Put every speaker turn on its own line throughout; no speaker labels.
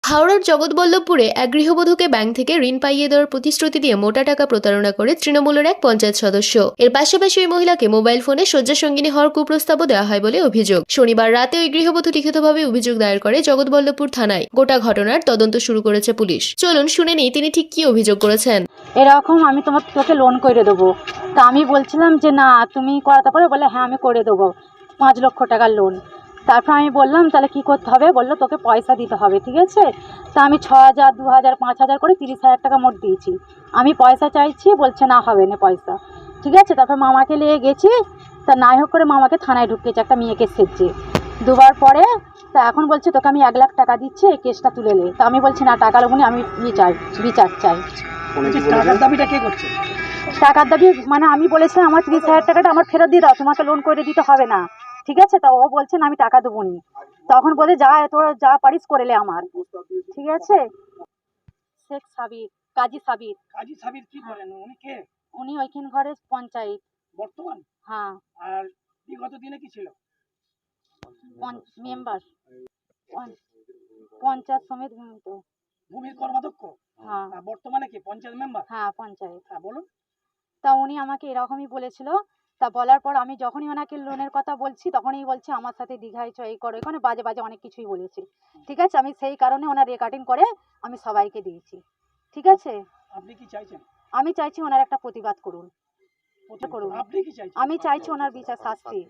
হাওড়ার জগৎবল্লভপুরে এক গৃহবধূকে ব্যাংক থেকে ঋণ পাইয়ে দেওয়ার প্রতিশ্রুতি দিয়ে মোটা টাকা প্রতারণা করে তৃণমূলের এক পঞ্চায়েত সদস্য। এর পাশাপাশি ওই মহিলাকে মোবাইল ফোনে শয্যাসঙ্গিনী হওয়ার কুপ্রস্তাবও দেওয়া হয় বলে অভিযোগ। শনিবার রাতে ওই গৃহবধূ লিখিতভাবে অভিযোগ দায়ের করে জগৎবল্লভপুর থানায়। গোটা ঘটনার তদন্ত শুরু করেছে পুলিশ। চলুন শুনে নিই তিনি ঠিক কি অভিযোগ করেছেন।
এরকম আমি তোকে লোন করে দেবো, তা আমি বলছিলাম যে না তুমি করাতে পারো, বলে হ্যাঁ আমি করে দেবো 5 লক্ষ টাকার লোন। তারপর আমি বললাম তাহলে কী করতে হবে, বললো তোকে পয়সা দিতে হবে, ঠিক আছে। তা আমি 6,000 2,000 5,000 করে 30,000 টাকা মোট দিয়েছি। আমি পয়সা চাইছি, বলছে না হবে না পয়সা, ঠিক আছে। তারপর মামাকে নিয়ে গেছি, তা নাই হোক করে মামাকে থানায় ঢুকিয়েছে একটা মেয়েকে সেজছে 2বার পরে। তা এখন বলছে তোকে আমি 1 লাখ টাকা দিচ্ছি, এই কেসটা তুলে নে। তা আমি বলছি না, টাকা লোবনি, আমি বিচার চাই।
টাকার দাবিটা কে করছে?
টাকার দাবি মানে আমি বলেছিলাম আমার 30,000 টাকাটা আমার ফেরত দিয়ে দাও, তোমাকে লোন করে দিতে হবে না, ঠিক আছে। তা ও বলছে না আমি টাকা দেবো নি। তখন বলে যা তোর যা পারিস করেলে আমার, ঠিক আছে। শেখ সাবির, কাজী সাবির।
কাজী সাবির কি করেন? উনি কে?
উনি ওইখান ঘরের পঞ্চায়েত
বর্তমান?
হ্যাঁ।
আর বিগত দিনে কি ছিল?
মেম্বার পঞ্চায়েত সমিতি
ভূমির কর্মাধ্যক্ষ।
হ্যাঁ।
বর্তমানে কি পঞ্চায়েত মেম্বার?
হ্যাঁ পঞ্চায়েত।
হ্যাঁ বলুন।
তা উনি আমাকে এরকমই বলেছিল। তা বলার পর আমি যখনই ওনাকে লোনের কথা বলছি তখনই বলছে আমার সাথে দীঘায় এই করো, এখানে বাজে বাজে অনেক কিছুই বলেছে, ঠিক আছে। আমি সেই কারণে ওনার রেকর্ডিং করে আমি সবাইকে দিয়েছি, ঠিক আছে।
আপনি কি চাইছেন?
আমি চাইছি ওনার একটা প্রতিবাদ করুন।
আপনি কি চাইছেন?
আমি চাইছি ওনার বিচার শাস্তি।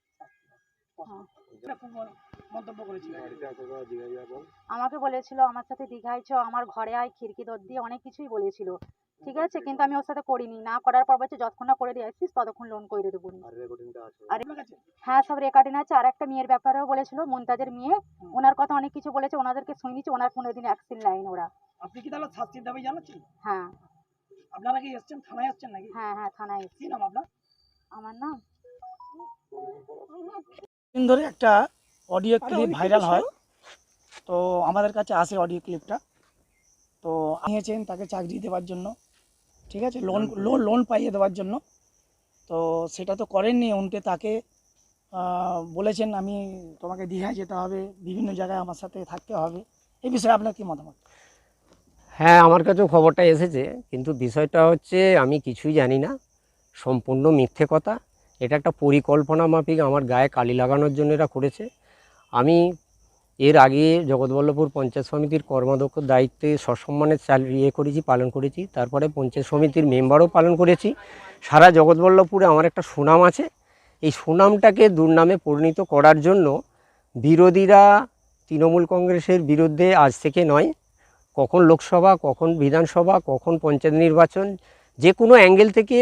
মন্তব্য করেছিল
আমাকে বলেছিল আমার সাথে দীঘায় চ, আমার ঘরে আয়, খিড়কি দর দিয়ে অনেক কিছুই বলেছিল, ঠিক আছে। কিন্তু আমি ওর সাথে করিনি, না করার পর বলছে যতক্ষণ না করে দিয়ে আসছিস ততক্ষণ লোন করে দেবো। আর হ্যাঁ সব রেকর্ডিং আছে। আর একটা মেয়ের ব্যাপারেও বলেছিল, মুমতাজের মেয়ে, ওনার কথা অনেক কিছু বলেছে, ওনাদেরকে শুনিয়েছি, ওনার 15 দিন অ্যাকশন লাইন ওরা।
আপনি কি তাহলে শাস্তির দাবি জানাচ্ছেন?
হ্যাঁ।
আপনারা কি এসছেন, থানায় এসছেন নাকি?
হ্যাঁ হ্যাঁ থানায় এসেছি।
কি নাম আপনার?
আমার নাম
দিন ধরে একটা অডিও ক্লিপ ভাইরাল হয়, তো আমাদের কাছে আসে অডিও ক্লিপটা। তো নিয়েছেন তাকে চাকরি দেওয়ার জন্য, ঠিক আছে, লোন পাইয়ে দেওয়ার জন্য। তো সেটা তো করেননি, উল্টে তাকে বলেছেন আমি তোমাকে দীঘায় যেতে হবে, বিভিন্ন জায়গায় আমার সাথে থাকতে হবে। এই বিষয়ে আপনার কি মতামত?
হ্যাঁ, আমার কাছেও খবরটা এসেছে, কিন্তু বিষয়টা হচ্ছে আমি কিছুই জানি না, সম্পূর্ণ মিথ্যে কথা। এটা একটা পরিকল্পনা মাফিক আমার গায়ে কালি লাগানোর জন্য এরা করেছে। আমি এর আগে জগৎবল্লভপুর পঞ্চায়েত সমিতির কর্মাধ্যক্ষ দায়িত্বে সসম্মানে পালন করেছি। তারপরে পঞ্চায়েত সমিতির মেম্বারও পালন করেছি। সারা জগৎবল্লভপুরে আমার একটা সুনাম আছে। এই সুনামটাকে দুর্নামে পরিণত করার জন্য বিরোধীরা তৃণমূল কংগ্রেসের বিরুদ্ধে আজ থেকে নয়, কখন লোকসভা, কখন বিধানসভা, কখন পঞ্চায়েত নির্বাচন, যে কোনো অ্যাঙ্গেল থেকে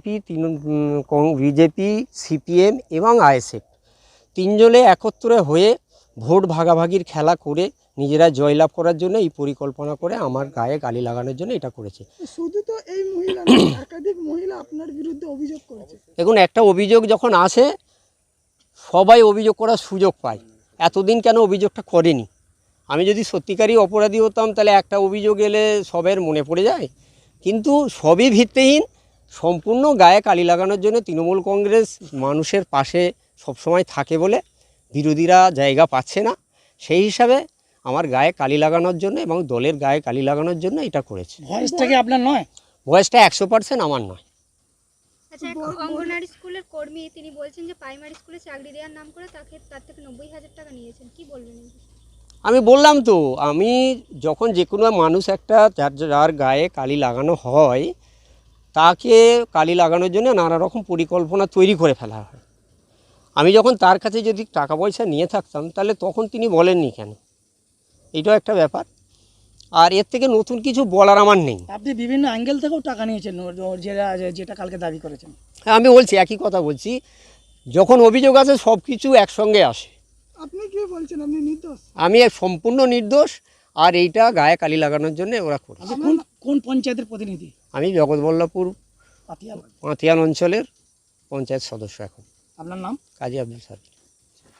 বিজেপি, সিপিএম এবং আইএসএফ তিনজনে একত্রে হয়ে ভোট ভাগাভাগির খেলা করে নিজেরা জয়লাভ করার জন্য এই পরিকল্পনা করে আমার গায়ে গালি লাগানোর জন্য এটা করেছে।
শুধু তো এই মহিলা, একাধিক মহিলা আপনার বিরুদ্ধে অভিযোগ করেছে।
দেখুন, একটা অভিযোগ যখন আসে সবাই অভিযোগ করার সুযোগ পায়। এতদিন কেন অভিযোগটা করেনি? আমি যদি সত্যিকারই অপরাধী হতাম তাহলে একটা অভিযোগ এলে সবের মনে পড়ে যায়, কিন্তু সবই ভিত্তিহীন। সম্পূর্ণ গায়ে কালি লাগানোর জন্য তৃণমূল কংগ্রেস মানুষের পাশে সবসময় থাকে বলে বিরোধীরা জায়গা পাচ্ছে না, সেই হিসাবে আমার গায়ে কালি লাগানোর জন্য এবং দলের গায়ে কালি লাগানোর জন্য এটা করেছে।
ভয়েসটা কি আপনার নয়?
ভয়েসটা 100% আমার নয়।
আচ্ছা, এক অঙ্গনওয়াড়ি স্কুলের কর্মী তিনি বলছেন যে প্রাইমারি স্কুলে চাকরি দেওয়ার নাম করে তার থেকে 90,000 টাকা নিয়েছেন, কি বলবেন?
আমি বললাম তো, আমি যখন যে কোনো মানুষ একটা যার গায়ে কালি লাগানো হয় তাকে কালি লাগানোর জন্য নানা রকম পরিকল্পনা তৈরি করে ফেলা হয়। আমি যখন তার কাছে যদি টাকা পয়সা নিয়ে থাকতাম তাহলে তখন তিনি বলেননি কেন, এটাও একটা ব্যাপার। আর এর থেকে নতুন কিছু বলার আমার নেই।
আপনি বিভিন্ন অ্যাঙ্গেল থেকেও টাকা নিয়েছেন যেটা কালকে দাবি করেছেন।
হ্যাঁ, আমি বলছি, একই কথা বলছি, যখন অভিযোগ আসে সব কিছু একসঙ্গে আসে।
আপনি কি বলছেন আপনি নির্দোষ?
আমি সম্পূর্ণ নির্দোষ, আর এইটা গায়ে কালি লাগানোর জন্য ওরা করে।
আপনি কোন পঞ্চায়েতের প্রতিনিধি?
আমি জগৎবল্লভপুর পাতিয়াল অঞ্চলের পঞ্চায়েত সদস্য এখন।
আপনার নাম?
কাজী আব্দুল সাদিক।